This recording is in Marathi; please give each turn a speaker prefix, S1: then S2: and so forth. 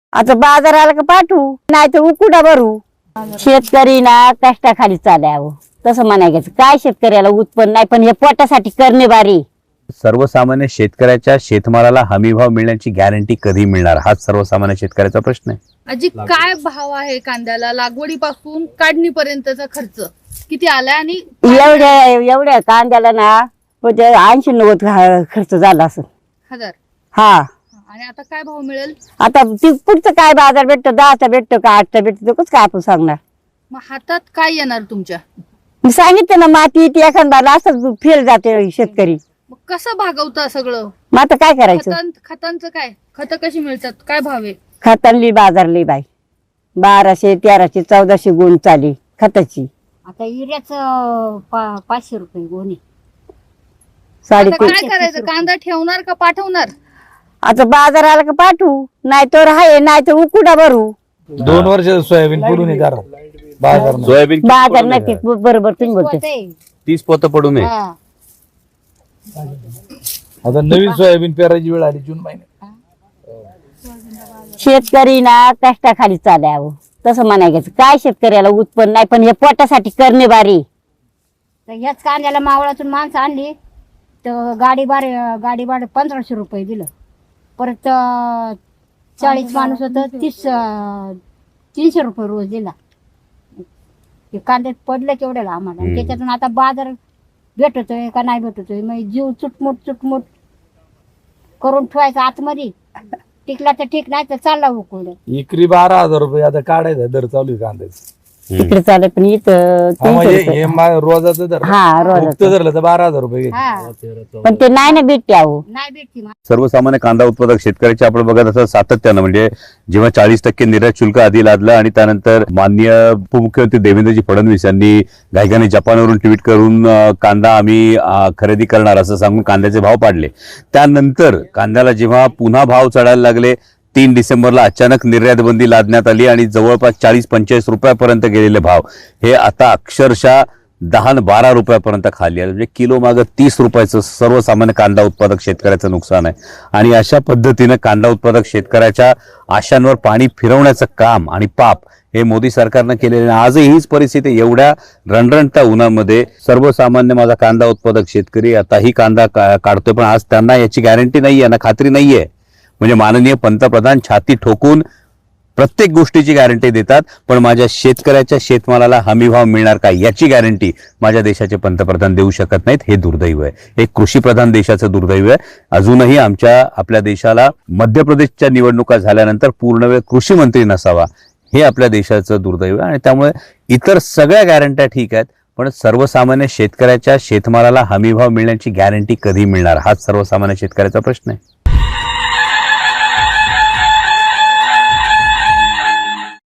S1: आता बाजाराला का पाठवू नाही तर उकुडा भरू. शेतकरी ना कष्टाखाली चालावं तसं म्हणायचं. काय शेतकऱ्याला उत्पन्न नाही पण हे पोटासाठी करणे बारी.
S2: सर्वसामान्य शेतकऱ्याच्या शेतमालाला हमीभाव मिळण्याची गॅरंटी कधी मिळणार हाच सर्वसामान्य शेतकऱ्याचा प्रश्न आहे.
S3: आजी काय भाव आहे कांद्याला? लागवडीपासून काढणीपर्यंतचा खर्च किती आलाय आणि
S1: एवढ्या कांद्याला ना 80-90 खर्च झाला असं.
S3: हजार
S1: हा.
S3: आणि आता काय भाव मिळेल?
S1: आता ती पुढचं काय बाजार भेटतो 10चा भेटतो का 8चा भेटतो कसं काय आपण सांगणार.
S3: मग हातात काय येणार तुमच्या?
S1: मी सांगितलं ना माती ती एखादा असंच फेल जाते शेतकरी.
S3: मग कसं भागवता सगळं?
S1: मग आता काय करायचं.
S3: खतांचं काय? खतं कशी मिळतात? काय भाव आहे?
S1: खतांली बाजारली बाई 1200 1300 1400 गुण चाली खताची.
S4: आता युरियाच 500 रुपये गोणी.
S3: आता काय करायचं? कांदा ठेवणार का पाठवणार?
S1: आता बाजाराला का पाठवू नाही तर आहे नाही तर उकुडा भरू.
S5: 2 वर्ष सोयाबीन पुरून बाजार
S2: सोयाबीन
S1: बाजार नक्की बरोबर तुम्ही बोलते.
S2: 30 पोतं पडू नये.
S5: आता नवीन सोयाबीन पेरायची वेळ आली जून महिन्यात.
S1: शेतकरी ना कष्टाखाली चालावं तसं म्हणायचं. काय शेतकऱ्याला उत्पन्न नाही पण हे पोटासाठी करणे बारी.
S4: तर ह्याच कांद्याला मावळातून माणसं आणली तर गाडी भाडं 1500 रुपये दिलं. परत 40 माणूस होतं 300 रुपये रोज दिला. ते कांद्यात पडलं केवढ्याला आम्हाला. आणि त्याच्यातून आता बाजार भेटतोय का नाही भेटतोय मग जीव चुटमुट करून ठेवायचा आतमध्ये. टिकला तर ठीक नाही तर चालला उकळलं.
S5: एकरी 12,000 रुपये आता काढायचा दर चालू आहे कांद्याचा.
S1: तिकडे चालत पण इथं 300 रुपये.
S5: रोजाचं दर
S1: हा रोज
S5: धरलं तर 12,000 रुपये.
S1: पण ते नाही ना भेटते अहो.
S4: नाही भेटती.
S2: सर्वसामान्य कांदा उत्पादक शेतकऱ्याचे आपण बघत असं सातत्यानं म्हणजे जेव्हा 40% निर्यात शुल्क आधी लादलं आणि त्यानंतर माननीय उपमुख्यमंत्री देवेंद्रजी फडणवीस यांनी घाईघाईने जपानवरून ट्विट करून कांदा आम्ही खरेदी करणार असं सांगून कांद्याचे भाव पाडले. त्यानंतर कांद्याला जेव्हा पुन्हा भाव चढायला लागले 3 डिसेंबरला अचानक निर्यात बंदी लादण्यात आली आणि जवळपास 40-45 रुपयापर्यंत गेलेले भाव हे आता अक्षरशः 10-12 रुपयापर्यंत खाली आले. म्हणजे किलो मागं 30 रुपयाचं सर्वसामान्य कांदा उत्पादक शेतकऱ्याचं नुकसान आहे. आणि अशा पद्धतीनं कांदा उत्पादक शेतकऱ्याच्या आशांवर पाणी फिरवण्याचं काम आणि पाप हे मोदी सरकारनं केलेलं. आजही हीच परिस्थिती. एवढ्या रणरणत्या उन्हामध्ये सर्वसामान्य माझा कांदा उत्पादक शेतकरी आताही कांदा काढतोय पण आज त्यांना याची गॅरंटी नाहीये ना खात्री नाहीये. म्हणजे माननीय पंतप्रधान छाती ठोकून प्रत्येक गोष्टीची गॅरंटी देतात पण माझ्या शेतकऱ्याच्या शेतमालाला हमीभाव मिळणार का याची गॅरंटी माझ्या देशाचे पंतप्रधान देऊ शकत नाहीत. हे दुर्दैव आहे. हे कृषीप्रधान देशाचं दुर्दैव आहे. अजूनही आपल्या देशाला मध्य प्रदेशच्या निवडणुका झाल्यानंतर पूर्णवेळ कृषी मंत्री नसावा हे आपल्या देशाचं दुर्दैव आहे. आणि त्यामुळे इतर सगळ्या गॅरंट्या ठीक आहेत पण सर्वसामान्य शेतकऱ्याच्या शेतमालाला हमीभाव मिळण्याची गॅरंटी कधी मिळणार हाच सर्वसामान्य शेतकऱ्याचा प्रश्न आहे.